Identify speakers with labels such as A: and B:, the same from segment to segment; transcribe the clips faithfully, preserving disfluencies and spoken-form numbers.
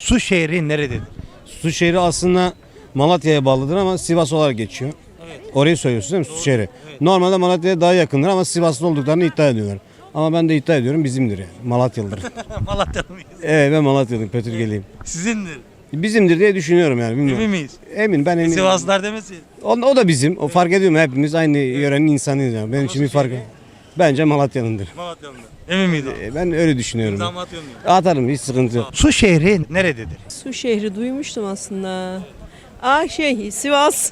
A: Su şehri nerededir?
B: Su şehri aslında Malatya'ya bağlıdır ama Sivas olarak geçiyor.
A: Evet.
B: Orayı söylüyorsun değil mi? Su şehri. Normalde Malatya'ya daha yakındır ama Sivaslı olduklarını iddia ediyorlar. Ama ben de iddia ediyorum bizimdir yani. Malatyalıdır.
A: Malatyalı mıyız?
B: Evet, ben Malatyalıyım, Pötürgeliyim.
A: Sizindir.
B: Bizimdir diye düşünüyorum yani, bilmiyorum.
A: Emin miyiz?
B: Emin, ben eminim.
A: Sivaslılar demesin.
B: O, o da bizim. O fark ediyor mu? Hepimiz aynı yörenin insanıyız yani. Benim için bir fark. Bence Malatyalı'ndır.
A: Malatyalılar. Emin miyiz abi?
B: E, Ben öyle düşünüyorum.
A: İmzamı atıyor muyum?
B: Atarım, hiç sıkıntı yok.
A: Su şehri nerededir?
C: Su şehri duymuştum aslında. Aa şey Sivas.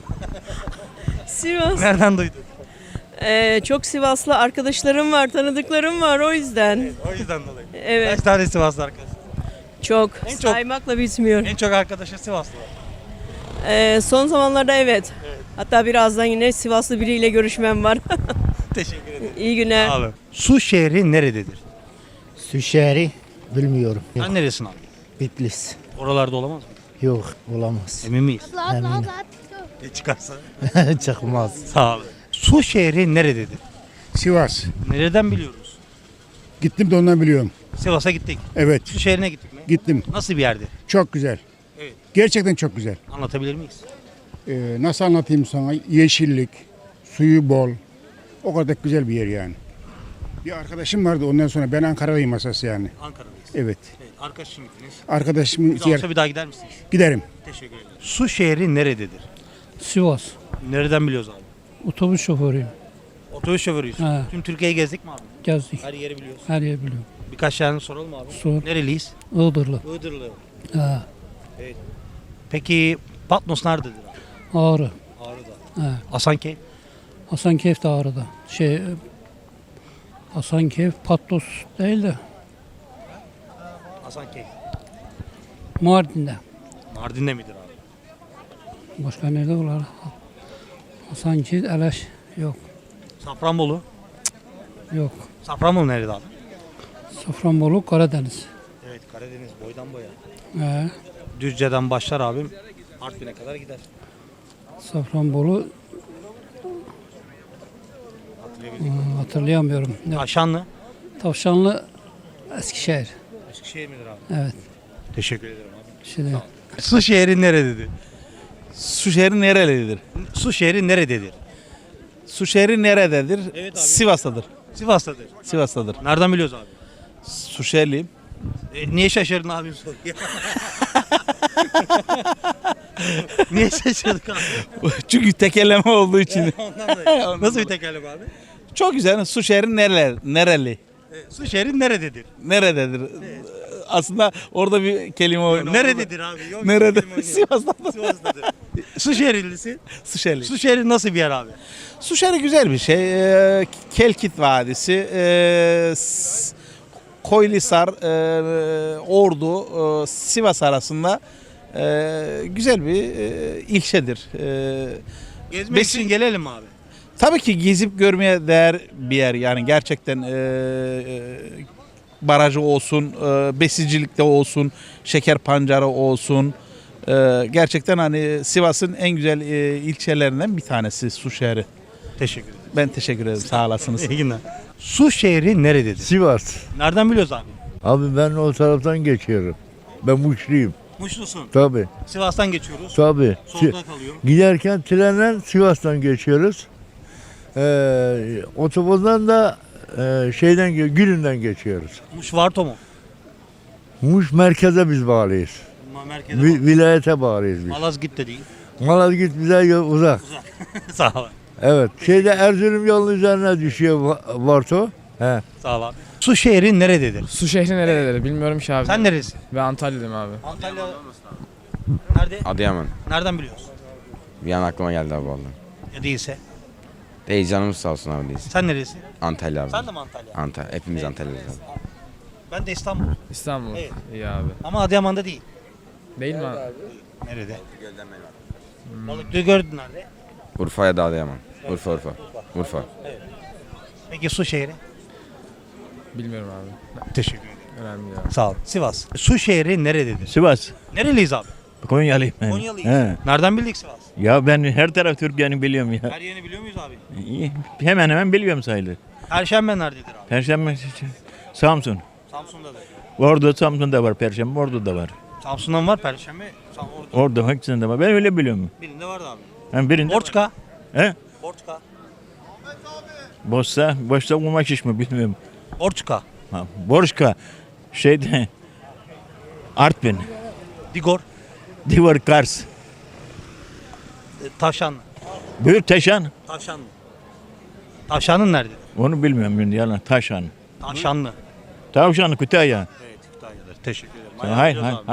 C: Sivas.
A: Nereden duydun?
C: Ee, çok Sivaslı arkadaşlarım var, tanıdıklarım var o yüzden.
A: O yüzden dolayı.
C: Evet.
A: Kaç tane Sivaslı arkadaş?
C: Çok.
A: En çok-
C: Saymakla bitmiyor.
A: En çok arkadaşı Sivaslı var.
C: Ee, son zamanlarda evet. Hatta birazdan yine Sivaslı biriyle görüşmem var.
A: Teşekkür ederim.
C: İyi günler.
A: Abi. Su şehri nerededir?
D: Su şehri bilmiyorum. Yok,
A: Sen neresin abi?
D: Bitlis.
A: Oralarda olamaz mı?
D: Yok, olamaz.
A: Emin miyiz?
D: Eminim.
A: Ne çıkarsa.
D: Çıkmaz.
A: Sağ ol. Su şehri nerededir?
E: Sivas.
A: Nereden biliyoruz?
E: Gittim de ondan biliyorum.
A: Sivas'a gittik.
E: Evet,
A: Su şehrine gittik mi?
E: gittim.
A: Nasıl bir yerdi?
E: Çok güzel.
A: Evet.
E: Gerçekten çok güzel.
A: Anlatabilir miyiz?
E: Ee, nasıl anlatayım sana? Yeşillik, suyu bol. O kadar güzel bir yer yani. Bir arkadaşım vardı ondan sonra, ben Ankara'dayım asası yani.
A: Ankara'dayız.
E: Evet.
A: Evet. Arkadaşım gittiniz.
E: Arkadaşımın
A: Biz
E: iki yer.
A: olsa bir daha gider misiniz?
E: Giderim.
A: Teşekkür ederim. Su şehri nerededir?
F: Sivas.
A: Nereden biliyoruz abi?
F: Otobüs şoförüyüm.
A: Otobüs şoförüyüz.
F: He.
A: Tüm Türkiye'yi gezdik mi abi?
F: Gezdik.
A: Her yeri biliyoruz.
F: Her yer biliyorum.
A: Birkaç tane soralım abi.
F: Sor.
A: Nereliyiz?
F: Iğdırlı.
A: Iğdırlı.
F: Ha.
A: Peki Patmos nerededir abi?
F: Ağrı.
A: Ağrı'da.
F: Ha.
A: Hasankeyf?
F: Hasankeyf de Ağrı'da. Şey, e, Hasankeyf Patlos değil de
A: Hasankeyf.
F: Mardin'de.
A: Mardin'de midir abi?
F: Başka nerede var? Hasankeyf, Eleş. Yok.
A: Safranbolu.
F: Yok.
A: Safranbolu nerede abi?
F: Safranbolu, Karadeniz.
A: Evet, Karadeniz boydan boya.
F: He.
A: Düzce'den başlar abim. Artvin'e kadar gider.
F: Safranbolu
A: Hatırlayabildik.
F: hmm, hatırlayamıyorum. Ne?
A: Aşanlı.
F: Tavşanlı, Eskişehir.
A: Eskişehir midir abi?
F: Evet.
A: Teşekkür ederim abi.
F: Şimdi
A: Su şehri nerededir?
G: Su şehri nerelidir?
A: Su şehri nerededir?
G: Su şehri nerededir?
A: Evet abi.
G: Sivas'tadır.
A: Sivas'tadır.
G: Sivas'tadır.
A: Nereden biliyoruz abi?
G: Su şehirliyim.
A: E, niye şaşırdın abim soruyor? Niye şaşırdık abi?
G: Çünkü tekerleme olduğu için.
A: Ondan dolayı. Nasıl bir tekerleme abi?
G: Çok güzel. Su şehri nereler, nereli?
A: E, su şehri nerededir?
G: Nerededir? Aslında orada bir kelime oyunu.
A: Nerededir abi? Yok,
G: Nerede?
A: kelime oynuyor.
G: Sivas'ta.
A: Sivas'tadır. Su şehirlisi.
G: Su şehri.
A: Su şehri nasıl bir yer abi?
G: Su şehri güzel bir şey. Ee, Kelkit Vadisi, ee, S- Koylisar, ee, Ordu, ee, Sivas arasında ee, güzel bir ee, ilçedir. Ee,
A: Gezmek
G: Besin-
A: için gelelim abi.
G: Tabii ki gezip görmeye değer bir yer yani gerçekten ee, ee, barajı olsun, ee, besicilikte olsun, şeker pancarı olsun. Ee, gerçekten hani Sivas'ın en güzel ee, ilçelerinden bir tanesi Su şehri.
A: Teşekkür ederim.
G: Ben teşekkür ederim. Sağ olasınız.
A: İyi günler. Su şehri nerededir?
H: Sivas.
A: Nereden biliyoruz abi?
H: Abi ben o taraftan geçiyorum. Ben Muşluyum.
A: Muşlusun.
H: Tabi.
A: Sivas'tan geçiyoruz.
H: Tabi.
A: Solda kalıyor.
H: Giderken trenle Sivas'tan geçiyoruz. Ee, otobüsten da e, şeyden ge- Gülünden geçiyoruz.
A: Muş Varto mu?
H: Muş merkeze biz bağlıyız.
A: Ma- Merkeze
H: Vi-
A: bak.
H: vilayete bağlıyız biz.
A: Malazgirt de değil.
H: Malazgirt bize yo- uzak.
A: Sağ ol.
H: Evet. Şeyde Erzurum yolunun üzerine düşüyor Va- Varto. He.
A: Sağ ol abi. Su şehri nerededir?
I: Su şehri nerededir bilmiyorum ki abi.
A: Sen neresin?
I: Ben Antalya'dayım abi.
A: Antalya. Nerede?
J: Adıyaman.
A: Nereden biliyorsun?
J: Bir an aklıma geldi abi vallahi.
A: Ya değilse.
J: Değil canımız sağ olsun abi değilsin.
A: Sen neresin?
J: Antalya abi.
A: Sen de mi Antalya?
J: Antalya. Hepimiz Antalya'dayız abi.
A: Ben de İstanbul.
I: İstanbul.
A: Evet.
I: İyi abi.
A: Ama Adıyaman'da değil.
I: Değil mi abi?
A: Nerede? Balıklı'yı gördün nerede?
J: Urfa ya da Adıyaman. Urfa Urfa. Urfa.
A: Peki su şehri?
I: Bilmiyorum abi.
A: Teşekkür ederim.
I: Önemli ya.
A: Sağ ol. Sivas. Su şehri nerededir?
K: Sivas.
A: Nereliyiz abi?
K: Konyalıyım ben.
A: Konyalıyız.
K: He.
A: Nereden bildik Sivas?
K: Ya ben her taraf Türkiye'ni biliyorum ya.
A: Her yerini biliyor muyuz abi?
K: Hemen hemen biliyorum sayılır.
A: Perşembe nerededir abi?
K: Perşembe, Samsun.
A: Samsun'da da.
K: Ordu, Samsun'da var Perşembe, Ordu'da var.
A: Samsun'dan var Perşembe. Sam orada.
K: Orada hepsinde var. Ben öyle biliyorum.
A: Birinde vardı abi.
K: Ben birinde
A: Borçka.
K: He?
A: Borçka.
K: Boşsa, boşsa kumaş iş mi bilmiyorum.
A: Borçka.
K: Ha, Borçka. Şeyde Artvin.
A: Digor.
K: Divar Kars.
A: e, Tavşanlı.
K: Buyur Taşan.
A: Tavşanlı. Tavşanın nerede?
K: Onu bilmiyorum şimdi yalan. Taşan.
A: Tavşanlı.
K: Tavşan Kütahya.
A: Evet, Kütahya'da. Teşekkür ederim.
K: Hayır,
A: Ayarlıyoruz
K: hayır.
A: abi.